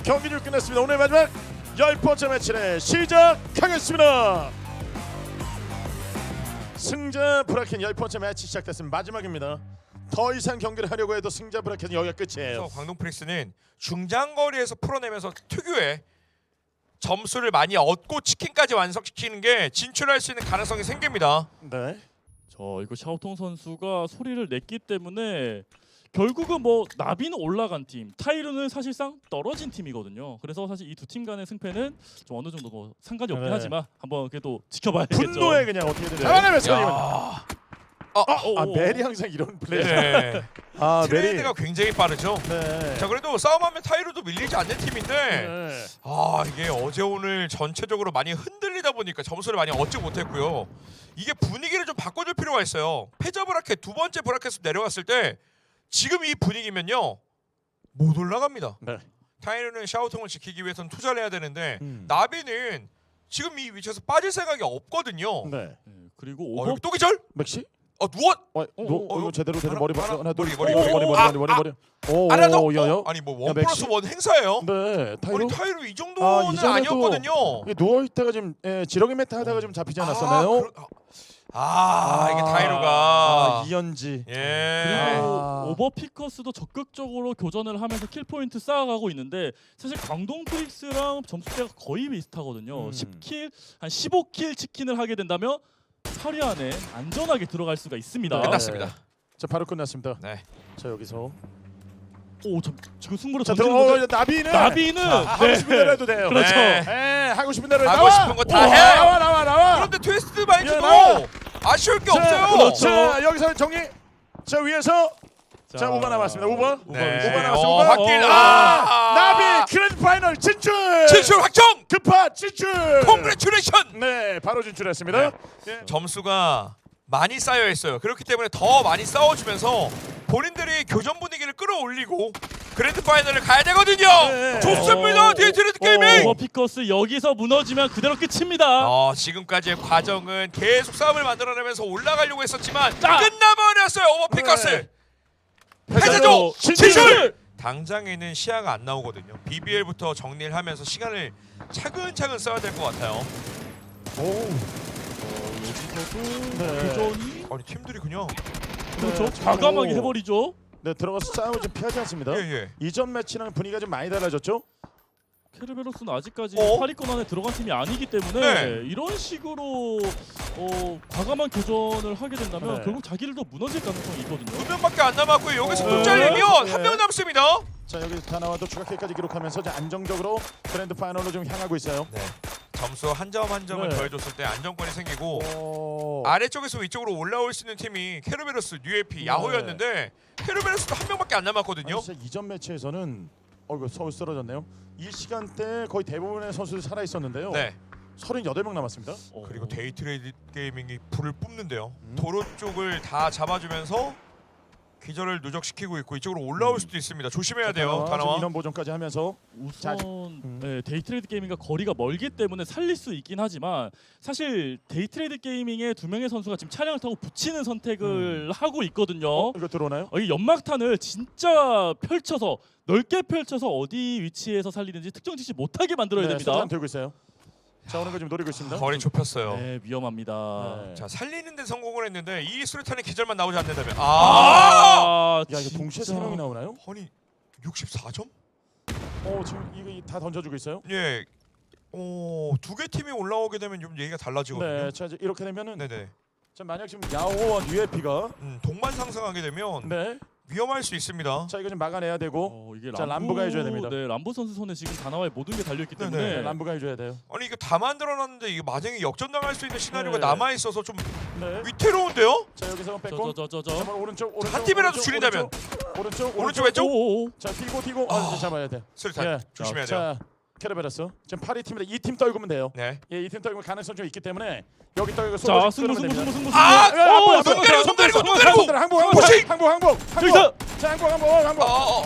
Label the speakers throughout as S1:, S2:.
S1: 경기를 끝냈습니다. 오늘 마지막 10번째 매치를 시작하겠습니다. 승자 브라켓 10번째 매치 시작됐습니다. 마지막입니다. 더 이상 경기를 하려고 해도 승자 브라켓은 여기가 끝이에요.
S2: 그래서 광동 프릭스는 중장거리에서 풀어내면서 특유의 점수를 많이 얻고 치킨까지 완성시키는 게 진출할 수 있는 가능성이 생깁니다.
S1: 네.
S3: 이거 샤오통 선수가 소리를 냈기 때문에 결국은 뭐 나비는 올라간 팀, 타이르는 사실상 떨어진 팀이거든요. 그래서 사실 이 두 팀 간의 승패는 좀 어느 정도 뭐 상관이 없긴
S1: 네.
S3: 하지만 한번 그래도 지켜봐야겠죠.
S1: 분노에 그냥 어떻게든
S3: 네.
S1: 잡아내면서
S2: 야.
S1: 메리 항상 이런 플레이.
S2: 네.
S1: 메리.
S2: 트레이드가 굉장히 빠르죠.
S1: 네.
S2: 자, 그래도 싸움하면 타이르도 밀리지 않는 팀인데
S1: 네.
S2: 이게 어제 오늘 전체적으로 많이 흔들리다 보니까 점수를 많이 얻지 못했고요. 이게 분위기를 좀 바꿔줄 필요가 있어요. 패자 브라켓 두 번째 브라켓으로 내려갔을 때 지금 이 분위기면요 못 올라갑니다.
S1: 네.
S2: 타이르는 샤오통을 지키기 위해서는 투자를 해야 되는데 나비는 지금 이 위치에서 빠질 생각이 없거든요.
S1: 네.
S3: 네, 그리고 오버
S2: 또 기절?
S1: 맥시?
S2: 누워?
S1: 이거 제대로 머리 하나 둘
S2: 머리.
S1: 머리.
S2: 하나 더?
S1: 야야.
S2: 아니 뭐
S1: 야,
S2: 원 플러스
S1: 맥시?
S2: 원 행사예요?
S1: 네. 타이로.
S2: 아니 타이르 이 정도는
S1: 이전에도
S2: 아니었거든요.
S1: 누워 있다가 지금 지렁이 메타 하다가 좀 잡히지 않았었나요?
S2: 이게 타이르가
S1: 이연지.
S2: 예.
S3: 그리고 오버피커스도 적극적으로 교전을 하면서 킬 포인트 쌓아가고 있는데 사실 광동 프릭스랑 점수대가 거의 비슷하거든요. 10킬, 한 15킬 치킨을 하게 된다면 8위 안에 안전하게 들어갈 수가 있습니다.
S2: 끝났습니다.
S1: 자 바로 끝났습니다.
S2: 네.
S1: 자 여기서
S3: 지금 승부를
S1: 자
S3: 던지는 건데
S1: 나비는 하고 싶은 대로 해도 돼요.
S3: 그렇죠.
S2: 네.
S1: 하고 싶은 대로
S2: 하고 싶은 거 다 해요.
S1: 나와.
S2: 그런데 트위스트 마인드도
S1: 나와.
S2: 아쉬울 게
S1: 자,
S2: 없어요.
S3: 그렇죠.
S1: 자 여기서 정리. 자 위에서 자 5번 남았습니다. 5번.
S2: 네.
S1: 5번 남았습니다. 5번.
S2: 확길.
S1: 나비 그랜드 파이널 진출.
S2: 진출 확정.
S1: 급파 진출.
S2: 콩그레츄레이션.
S1: 네 바로 진출했습니다.
S2: 네. 점수가 많이 쌓여 있어요. 그렇기 때문에 더 많이 싸워주면서 본인들이 교전 분위기를 끌어올리고 그랜드 파이널을 가야 되거든요.
S1: 네.
S2: 좋습니다. 디에트리드 게이밍.
S3: 오버피커스 여기서 무너지면 그대로 끝입니다.
S2: 지금까지의 과정은 계속 싸움을 만들어내면서 올라가려고 했었지만
S3: 자.
S2: 끝나버렸어요. 오버피커스.
S1: 네.
S2: 패자조
S1: 진출!
S2: 진출. 당장에는 시야가 안 나오거든요. BBL부터 정리를 하면서 시간을 차근차근 써야 될 것 같아요.
S3: 여기서도
S1: 네.
S3: 교전이
S2: 아니 팀들이 그냥
S3: 그렇죠.
S1: 네,
S3: 과감하게
S1: 오.
S3: 해버리죠.
S1: 네 들어가서 싸움을 좀 피하지 않습니다.
S2: 예.
S1: 이전 매치랑 분위기가 좀 많이 달라졌죠?
S3: 케르베로스는 아직까지
S2: 어?
S3: 8위권 안에 들어간 팀이 아니기 때문에
S2: 네.
S3: 이런 식으로 과감한 교전을 하게 된다면
S1: 네.
S3: 결국 자기들도 무너질 가능성이 있거든요.
S2: 2명밖에 안 남았고 여기서
S1: 네.
S2: 또 잘리면
S1: 네.
S2: 한 명 남습니다.
S1: 자 여기서 다나와도 추가 킬까지 기록하면서 이제 안정적으로 그랜드 파이널로 좀 향하고 있어요.
S2: 네. 점수 한 점 한 점을
S1: 네.
S2: 더해줬을 때 안정권이 생기고
S1: 오.
S2: 아래쪽에서 위쪽으로 올라올 수 있는 팀이 케르베로스, 뉴에피, 야호였는데 케르베로스도 한 명밖에 안 남았거든요.
S1: 아니, 진짜 이전 매치에서는 이거 서울 쓰러졌네요. 이 시간대 거의 대부분의 선수들이 살아 있었는데요.
S2: 네.
S1: 38명 남았습니다.
S2: 그리고 데이트레이드 게이밍이 불을 뿜는데요. 도로 쪽을 다 잡아주면서 기절을 누적시키고 있고 이쪽으로 올라올 수도 있습니다. 조심해야 돼요.
S1: 지금
S2: 다나와.
S1: 인원 보존까지 하면서
S3: 우선 데이트레이드 게이밍과 거리가 멀기 때문에 살릴 수 있긴 하지만 사실 데이트레이드 게이밍의 두 명의 선수가 지금 차량을 타고 붙이는 선택을 하고 있거든요.
S1: 이거 들어오나요?
S3: 이 연막탄을 진짜 펼쳐서 넓게 펼쳐서 어디 위치에서 살리는지 특정 짓지 못하게 만들어야 됩니다.
S1: 수단 들고 있어요. 자 오는 거 지금 노리고 있습니다.
S2: 거리 좁혔어요.
S3: 네, 위험합니다.
S1: 네.
S2: 자 살리는 데 성공을 했는데 이 수류탄의 기절만 나오지 않는다면
S1: 야 이거 동시에
S3: 진짜.
S1: 3명이 나오나요?
S2: 아니 64점?
S1: 지금 이거 다 던져주고 있어요.
S2: 예. 두 개 팀이 올라오게 되면 좀 얘기가 달라지거든요.
S1: 네, 자 이제 이렇게 되면은
S2: 네네.
S1: 자 만약 지금 야호와 UFP가
S2: 동반 상승하게 되면
S1: 네,
S2: 위험할 수 있습니다.
S1: 자 이거 좀 막아내야 되고
S3: 이게
S1: 자, 람보가 해줘야 됩니다.
S3: 네, 람보 선수 손에 지금 다나와의 모든 게 달려 있기 때문에
S2: 네네.
S1: 네, 람부가 해줘야 돼요.
S2: 아니 이거 다 만들어놨는데 이게 만약에 역전당할 수 있는 시나리오가
S1: 네.
S2: 남아 있어서 좀
S1: 네,
S2: 위태로운데요?
S1: 자 여기서 뺏고
S3: 저저저저
S1: 자, 오른쪽
S2: 한 팀이라도 줄인다면.
S1: 오른쪽
S2: 왼쪽.
S3: 오오오
S1: 자 뛰고 이제 잡아야 돼.
S2: 수류탄
S1: 예.
S2: 조심해야 돼요.
S1: 자 캐르베라스 지금 8위 팀인데 2팀 떨구면 돼요.
S2: 네.
S1: 예, 2팀 떨구면 가능성 좀 있기 때문에 여기 떨고
S3: 자 승부
S2: 손 내리고
S1: 항복.
S3: 여기서
S1: 자 항복.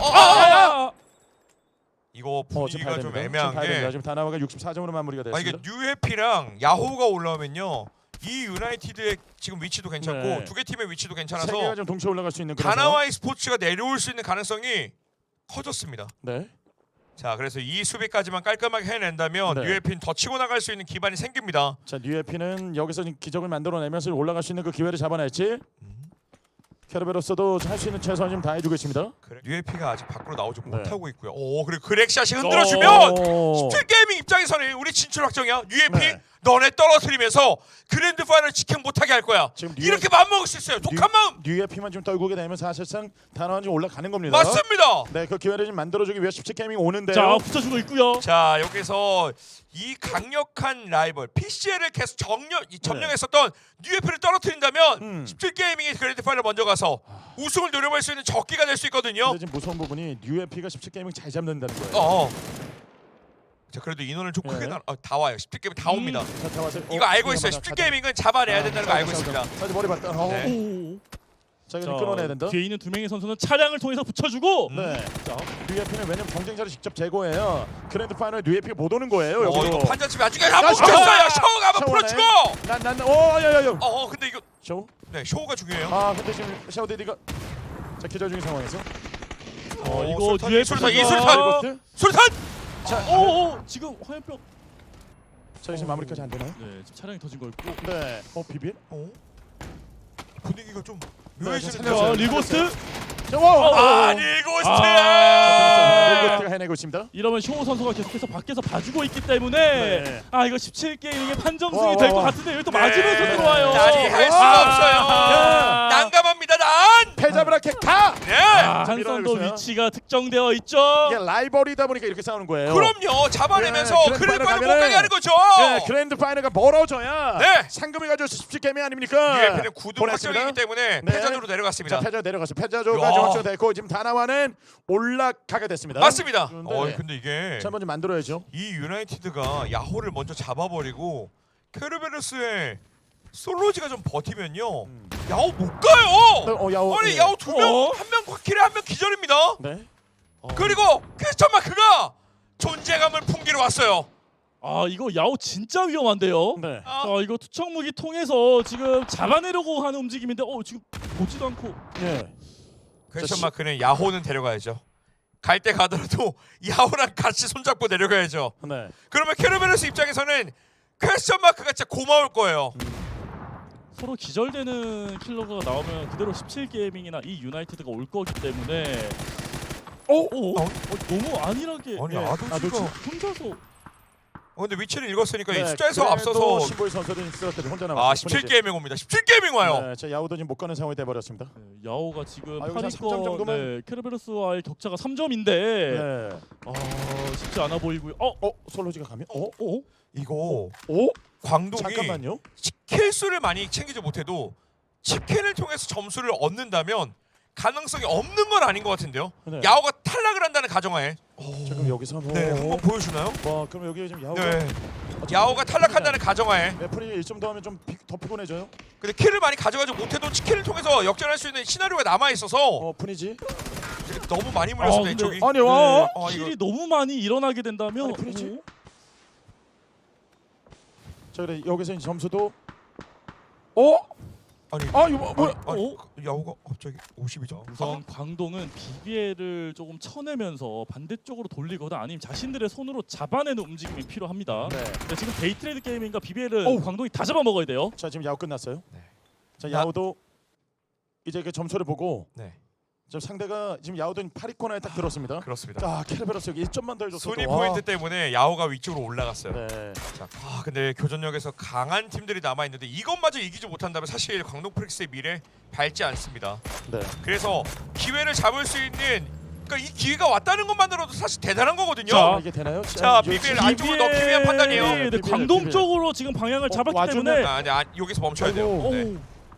S2: 이거 분위기가 좀
S1: 지금
S2: 애매한
S1: 봐야 됩니다.
S2: 게
S1: 지금 다나와가 64점으로 마무리가
S2: 이게
S1: 됐습니다.
S2: 뉴해피랑 야호가 올라오면요 이 유나이티드의 지금 위치도 괜찮고
S1: 네.
S2: 두 개 팀의 위치도
S1: 세
S2: 괜찮아서
S1: 개가 좀 동시에 올라갈 수 있는 그런
S2: 다나와이 스포츠가 내려올 수 있는 가능성이 커졌습니다.
S1: 네.
S2: 자, 그래서 이 수비까지만 깔끔하게 해낸다면
S1: 네.
S2: UFP는 더 치고 나갈 수 있는 기반이 생깁니다.
S1: 자, 뉴에피는 여기서 지금 기적을 만들어내면서 올라갈 수 있는 그 기회를 잡아냈지. 캐르베로스도 할 수 있는 최선을 좀 다해주고 있습니다.
S2: UFP가 아직 밖으로 나오지
S1: 네.
S2: 못하고 있고요. 오, 그리고 그렉샷이 흔들어주면
S1: 오.
S2: 17 게이밍 입장에서는 우리 진출 확정이야. UFP
S1: 네.
S2: 너네 떨어뜨리면서 그랜드 파이널 직행 못하게 할 거야.
S1: 지금
S2: 이렇게 마음먹을 수 있어요. 독한 마음.
S1: 뉴에피만 좀 떨구게 되면 사실상 단원이 올라가는 겁니다.
S2: 맞습니다.
S1: 네, 그 기회를 좀 만들어주기 위해 17게이밍 오는데요.
S3: 자 붙여주고 있고요.
S2: 자, 여기서 이 강력한 라이벌 PCL을 계속 점령했었던 UFP를 떨어뜨린다면 17 게이밍이 그랜드 파이널 먼저 가서 우승을 노려볼 수 있는 적기가 될 수 있거든요.
S1: 근데 지금 무서운 부분이 뉴에피가 17게이밍 잘 잡는다는 거예요.
S2: 자, 그래도 인원을 좀 크게
S1: 네.
S2: 다 와요. 17 게이밍 다 옵니다.
S1: 자, 다 와서
S2: 이거 알고 있어요. 17 게이밍은 잡아내야 된다는 거 알고 있습니다.
S1: 자, 머리 봤다.
S2: 네.
S3: 오.
S1: 자, 이거 끊어내야 된다.
S3: 뒤에 있는 두 명의 선수는 차량을 통해서 붙여주고.
S1: 네.
S3: 자,
S1: 뉴에피는 왜냐면 경쟁자를 직접 제거해요. 그랜드 파이널 뉴에피가 못 오는 거예요.
S2: 이거
S1: 여기로.
S2: 판자집이 아주 그냥 한번
S1: 샤워!
S2: 붙였어요. 샤워가 한번
S1: 샤워네.
S2: 풀어주고.
S1: 난 야야야.
S2: 근데 이거
S1: 샤워?
S2: 네, 쇼가 중요해요.
S1: 아, 근데 지금 샤워 데디가 자, 기절 중인 상황에서.
S3: 이거
S2: 술탄,
S3: 뒤에
S2: 술탄, 이
S3: 선수가-
S2: 술탄!
S1: 이것들?
S2: 술탄!
S1: 자,
S3: 오 지금 화염병.
S1: 자, 지금 마무리까지 안 되나요?
S3: 네, 지금 차량이 터진 거 있고.
S1: 네. 비빌?
S2: 분위기가 좀
S1: 네,
S2: 묘해지는데요.
S1: 살려줘요.
S3: 리고스트.
S1: 자, 와.
S2: 리고스트!
S1: 리고스트가 해내고 있습니다.
S3: 이러면 쇼 선수가 계속해서 밖에서 봐주고 있기 때문에
S1: 네.
S3: 이거 17게임의 판정승이
S1: 와,
S3: 될
S1: 와,
S3: 것
S1: 와.
S3: 같은데 여기 또
S2: 네.
S3: 맞으면서 들어와요.
S2: 난이 할 수가
S1: 와.
S2: 없어요. 난감합니다, 난!
S1: 패자브라켓 가!
S2: 네!
S3: 한선도
S1: 밀어내고 있어요.
S3: 위치가 특정되어 있죠.
S1: 이게 라이벌이다 보니까 이렇게 싸우는 거예요.
S2: 그럼요. 잡아내면서
S1: 네,
S2: 그랜드
S1: 그랜드
S2: 파이널 못
S1: 파이널
S2: 가게 하는 거죠.
S1: 네, 그랜드 파이널가 멀어져야
S2: 네.
S1: 상금이 가져올 수 있을 게임이 아닙니까?
S2: UFP는 9등
S1: 보냈습니다.
S2: 확정이기 때문에
S1: 네.
S2: 패전으로 내려갔습니다.
S1: 자, 패자 내려갔어요. 패자조가
S2: 야.
S1: 확정됐고 지금 다나와는 올라가게 됐습니다.
S2: 맞습니다.
S1: 그런데
S2: 근데 이게
S1: 자, 먼저 만들어야죠.
S2: 이 유나이티드가 야호를 먼저 잡아버리고 케르베르스의 솔로지가 좀 버티면요 야호 못 가요.
S1: 야호.
S2: 아니
S1: 예.
S2: 야호 두 명, 한 명 킬에 한 명 기절입니다.
S1: 네.
S2: 그리고 퀘스천 마크가 존재감을 풍기러 왔어요.
S3: 이거 야오 진짜 위험한데요.
S1: 네.
S2: 아,
S3: 이거 투척 무기 통해서 지금 잡아내려고 하는 움직임인데 지금 보지도 않고.
S1: 예.
S2: 퀘스천 마크는 야호는 데려가야죠. 갈 때 가더라도 야호랑 같이 손잡고 내려가야죠.
S1: 네.
S2: 그러면 케르베르스 입장에서는 퀘스천 마크가 진짜 고마울 거예요.
S3: 서로 기절되는 킬러가 나오면 그대로 17게이밍이나 이 유나이티드가 올 거기 때문에 너무 안일하게
S2: 아니,
S3: 예,
S2: 아도지가
S3: 혼자서
S2: 근데 위치를 읽었으니까 이
S1: 네,
S2: 숫자에서
S1: 그래도
S2: 앞서서
S1: 신보이 선수는 있었거든요. 혼자 남았어요.
S2: 17게이밍 옵니다. 17게이밍 와요.
S1: 네, 자, 야우도 지금 못 가는 상황이 돼 버렸습니다.
S3: 야오가 지금
S1: 여기서 한 3점
S3: 8위권
S1: 정도면?
S3: 케르베르스와의 격차가 3점인데
S1: 네.
S3: 쉽지 않아 보이고요.
S1: 솔로지가 가면?
S2: 이거
S1: 오?
S2: 광동이
S1: 잠깐만요.
S2: 킬 수를 많이 챙기지 못해도 치킨을 통해서 점수를 얻는다면 가능성이 없는 건 아닌 것 같은데요.
S1: 네.
S2: 야오가 탈락을 한다는 가정하에
S1: 자, 그럼 여기서
S2: 네, 한번 보여주나요?
S1: 와, 그럼 여기 지금 야우가
S2: 네, 야오가 탈락한다는 가정하에
S1: 매플이 1점 더 하면 좀 더 피곤해져요.
S2: 근데 킬을 많이 가져가지 못해도 치킨을 통해서 역전할 수 있는 시나리오가 남아 있어서
S1: 푸니지.
S2: 너무 많이 물렸습니다
S3: 근데-
S2: 이쪽이.
S1: 아니 와.
S3: 킬이 너무 많이 일어나게 된다면
S1: 아니, 프리지? 자, 그래 여기서 이제 점수도
S2: 아니,
S1: 이거 뭐야?
S2: 아니, 야오가 갑자기 50이죠.
S3: 우선 광동은 BBL을 조금 쳐내면서 반대쪽으로 돌리거나 아니면 자신들의 손으로 잡아내는 움직임이 필요합니다.
S1: 네.
S3: 근데 지금 데이트레이드 게임인가 BBL을
S1: 어우.
S3: 광동이 다 잡아먹어야 돼요.
S1: 자, 지금 야우 끝났어요.
S2: 네.
S1: 자, 야우도 이제 그 점수를 보고
S2: 네,
S1: 지금 상대가 지금 야우도 8위권에 딱 들었습니다.
S2: 그렇습니다.
S1: 자, 케르베로스 여기 1점만 더 해줬어.
S2: 순위 포인트 때문에 야오가 위쪽으로 올라갔어요.
S1: 네.
S2: 자, 근데 교전역에서 강한 팀들이 남아 있는데 이것마저 이기지 못한다면 사실 광동 프릭스의 미래 밝지 않습니다.
S1: 네.
S2: 그래서 기회를 잡을 수 있는 그러니까 이 기회가 왔다는 것만으로도 사실 대단한 거거든요.
S3: 자,
S1: 이게 되나요?
S2: 자,
S1: 여기
S2: BBL
S1: 지금-
S2: 안쪽으로 넣기 위한 판단이에요.
S3: 네,
S1: BBL,
S3: 광동
S1: BBL.
S3: 쪽으로 지금 방향을 잡았기
S1: 와주면-
S3: 때문에
S2: 근데 여기서 멈춰야 돼요.
S1: 아이고.
S2: 네.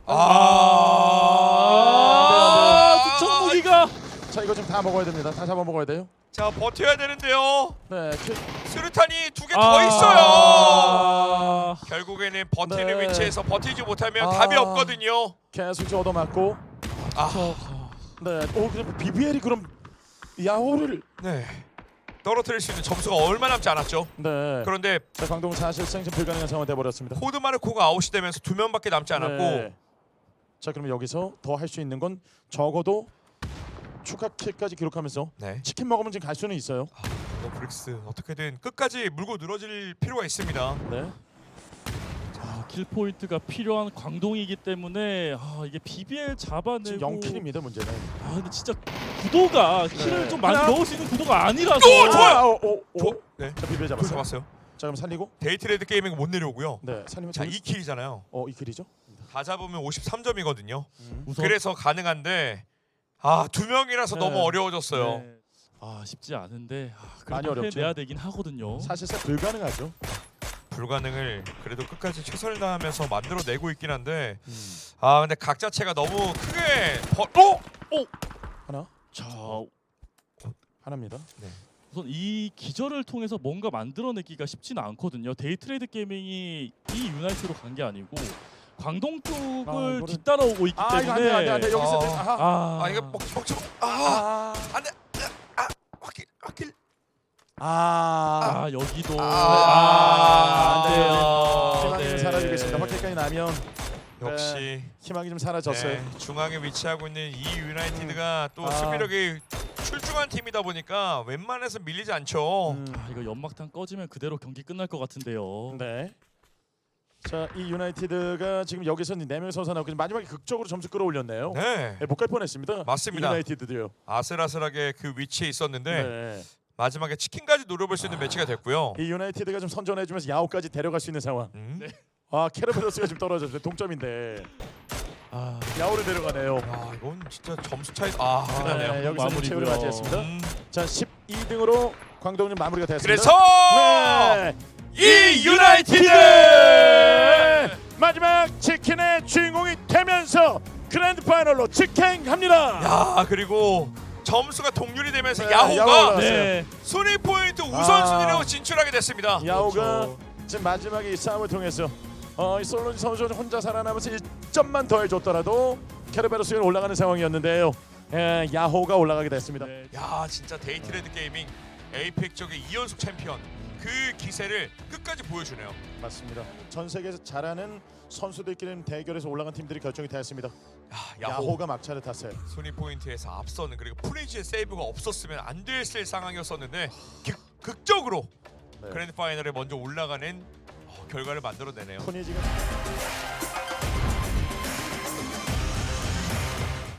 S3: 투척 무기가
S1: 자, 이거 지금 다 먹어야 됩니다. 다 잡아 먹어야 돼요.
S2: 자, 버텨야 되는데요.
S1: 네.
S2: 스루탄이 2개 더 있어요. 결국에는 버티는
S1: 네.
S2: 위치에서 버티지 못하면
S1: 아.
S2: 답이 없거든요.
S1: 계속 좀 얻어맞고. 네. 그럼 BBL이 그럼 야호를
S2: 네. 떨어뜨릴 수 있는 점수가 얼마 남지 않았죠.
S1: 네.
S2: 그런데
S1: 자, 광동은 사실상 지금 불가능한 상황이 돼 버렸습니다.
S2: 코드마르코가 아웃이 되면서 2명밖에 남지 않았고
S1: 네. 자, 그러면 여기서 더 할 수 있는 건 적어도 추가 킬까지 기록하면서
S2: 네.
S1: 치킨 먹으면 지금 갈 수는 있어요.
S2: 이거 브릭스 어떻게든 끝까지 물고 늘어질 필요가 있습니다.
S1: 네.
S3: 킬 포인트가 필요한 광동이기 때문에 이게 BBL
S1: 지금
S3: 잡아내고
S1: 0킬입니다 문제는.
S3: 근데 진짜 구도가 킬을
S1: 네.
S3: 좀 많이
S1: 하나.
S3: 넣을 수 있는 구도가 아니라서
S2: 오, 좋아요!
S1: 오.
S2: 네.
S1: 자 비벼
S2: 그걸
S1: 잡았어요.
S2: 잡았어요.
S1: 자 그럼 살리고.
S2: 데이트레이드 게이밍은 못 내려오고요.
S1: 네. 살리면
S2: 자 2킬이잖아요.
S1: 2킬이죠.
S2: 다 잡으면 53점이거든요.
S3: 우선
S2: 그래서 가능한데 두 명이라서
S1: 네.
S2: 너무 어려워졌어요.
S3: 네. 쉽지 않은데
S1: 많이
S3: 그래도
S1: 어렵죠.
S3: 해내야 되긴 하거든요.
S1: 사실상 불가능하죠.
S2: 불가능을 그래도 끝까지 최선을 다하면서 만들어내고 있긴 한데 근데 각 자체가 너무 크게
S1: 하나.
S3: 자
S1: 하나입니다.
S3: 우선 이 기절을 통해서 뭔가 만들어내기가 쉽지는 않거든요. 데이트레이드 게이밍이 이 유나이트로 간 게 아니고 광동 쪽을
S1: 이거는-
S3: 뒤따라오고 있기
S1: 이거
S3: 때문에
S1: 안돼 여기서 아하.
S2: 이거 먹지 안돼 확킬
S3: 여기도
S1: 안 돼요.
S3: 네.
S1: 희망이 좀 사라지겠습니다. 확실까지 나면
S2: 역시
S1: 희망이 좀 사라졌어요.
S2: 네, 중앙에 위치하고 있는 이 유나이티드가 또
S1: 아.
S2: 수비력이 출중한 팀이다 보니까 웬만해서 밀리지 않죠.
S3: 이거 연막탄 꺼지면 그대로 경기 끝날 것 같은데요.
S1: 네. 자, 이 유나이티드가 지금 여기서 4명 선수 나오고 마지막에 극적으로 점수 끌어올렸네요.
S2: 네,
S1: 못 갈 뻔했습니다.
S2: 맞습니다.
S1: 이 유나이티드도요.
S2: 아슬아슬하게 그 위치에 있었는데
S1: 네.
S2: 마지막에 치킨까지 노려볼 수 있는 매치가 됐고요.
S1: 이 유나이티드가 좀 선전해주면서 야오까지 데려갈 수 있는 상황.
S3: 네.
S1: 캐러베로스가 지금 떨어졌어요. 동점인데
S3: 아,
S1: 야오를 데려가네요.
S2: 이건 진짜 점수 차이 끝나네요.
S1: 네, 여기서
S3: 마무리고요.
S1: 최후를 맞이했습니다.
S2: 음,
S1: 자, 12등으로 광동님 마무리가 됐습니다.
S2: 그래서
S1: 네.
S2: 이 유나이티드
S1: 마지막 치킨의 주인공이 되면서 그랜드 파이널로 직행합니다.
S2: 야 그리고 점수가 동률이 되면서
S1: 네,
S2: 야호가
S1: 야호가
S3: 네.
S2: 순위 포인트 우선순위로 진출하게 됐습니다.
S1: 야오가
S3: 그렇죠.
S1: 지금 마지막에 이 싸움을 통해서 이 솔로지 선수는 혼자 살아남아서 1점만 더 해줬더라도 캐르베로스에 올라가는 상황이었는데요. 야호가 올라가게 됐습니다.
S3: 네.
S2: 야 진짜 데이트레드 게이밍 에이펙 쪽의 2연속 챔피언 그 기세를 끝까지 보여주네요.
S1: 맞습니다. 전 세계에서 잘하는 선수들끼리 대결에서 올라간 팀들이 결정이 되었습니다.
S2: 야호
S1: 야호가 막차를 탔어요.
S2: 순위 포인트에서 앞서는 그리고 프리즈의 세이브가 없었으면 안 됐을 상황이었었는데 극적으로
S1: 네.
S2: 그랜드 파이널에 먼저 올라가는 결과를 만들어내네요.
S1: 폰이 지금